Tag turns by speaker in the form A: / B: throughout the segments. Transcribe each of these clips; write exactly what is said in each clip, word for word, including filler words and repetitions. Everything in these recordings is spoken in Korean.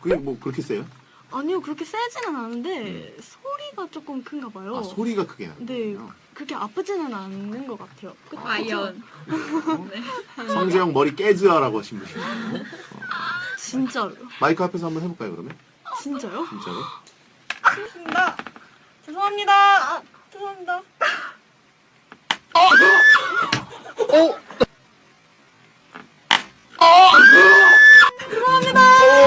A: 그게 뭐 그렇게 세요?
B: 아니요, 그렇게 세지는 않은데 소리가 조금 큰가 봐요.
A: 아 소리가 크게 나요.
B: 네, 그렇게 아프지는 않는 것 같아요. 그쵸?
C: 과연.
A: 성재형 머리 깨즈아라고 하신 분이에요.
B: 진짜로.
A: 마이크 앞에서 한번 해볼까요 그러면?
B: 진짜요?
A: 진짜로?
B: 죄송합니다. 죄송합니다. 아, 죄송합니다.
A: 어?
B: 죄송합니다.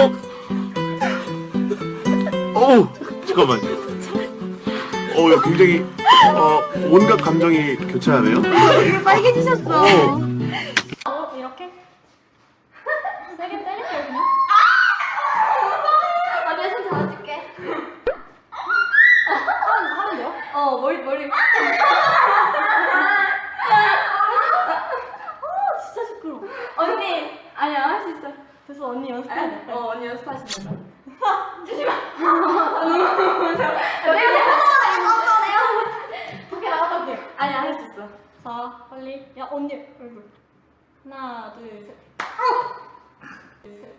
A: 어우 잠깐만요. 어, 야, 굉장히 어, 온갖 감정이 교차하네요.
B: 이거 빨개지셨어.
A: 어.
D: 어, 이렇게? 세게 때릴게요, 그냥. 아! 내가 손 잡아줄게. 하면, 하면 돼요? 어, 머리, 머리. 아, 진짜 시끄러워. 언니! 아니야, 할 수 있어.
B: 그래서 언니 연습해야 돼.
D: 어, 언니 연습하시는 거. 잠시만. 아, 너무 무서워. 내가 내가 내가 내가 밖에 나갔다 올게. 아니야, 할 수 있어. 자, 빨리. 야, 언니 얼굴. 하나, 둘, 셋. 둘, 셋.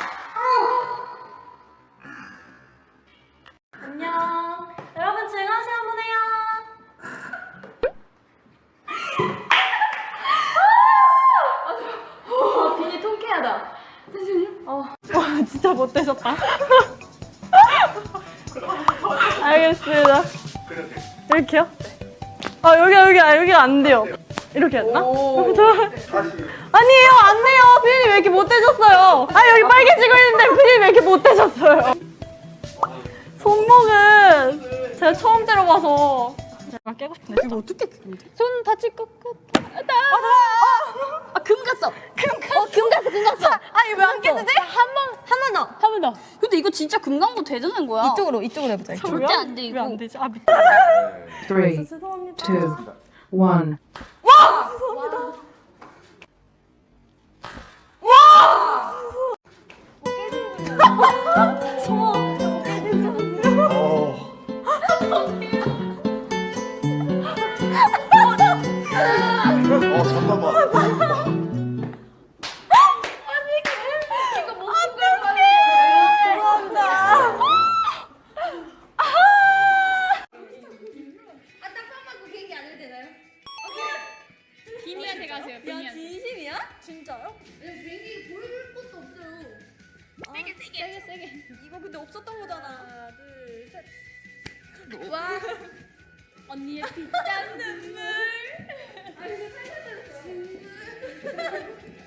D: 안녕. 여러분 즐거운 시간 보내요. 아, 비니 통쾌하다. 잠시만요. 어.
B: 와, 진짜 못되셨다. 알겠습니다. 이렇게요? 아, 여기, 여기, 아, 여기가 안 돼요. 이렇게 했나? 저... 아니에요, 안 돼요. 피디님 왜 이렇게 못되셨어요? 아, 여기 빨개지고 있는데 피디님 왜 이렇게 못되셨어요? 손목은 제가 처음 때려봐서 제가 깨고 싶은데. 이거 어떻게 깨는데? 손 다칠 것 같아.
D: 아, 금 갔어. 금 갔어. 어, 금 갔어, 금 갔어.
B: 아, 이거 왜 안 깨지지?
D: 한 번, 한 번 더.
B: 한 번 더.
D: 근데 이거 진짜 금 간 거 되는 거야.
B: 이쪽으로, 이쪽으로 해보자.
D: 절대 안 돼,
B: 왜 안
D: 이거.
B: 되지? 아, 밑에.
E: Three,
B: 죄송합니다.
E: two, one.
A: 어. 어 잠깐만.
C: 비니한테 가세요. 비니한테.
D: 진심이야? 진짜요?
C: 세게 세게. 세게 세게.
D: 이거 근데 없었던 거잖아. 하나, 둘, 셋.
C: 언니의 빗장 눈물.
D: 아, 근데 살살 때렸어.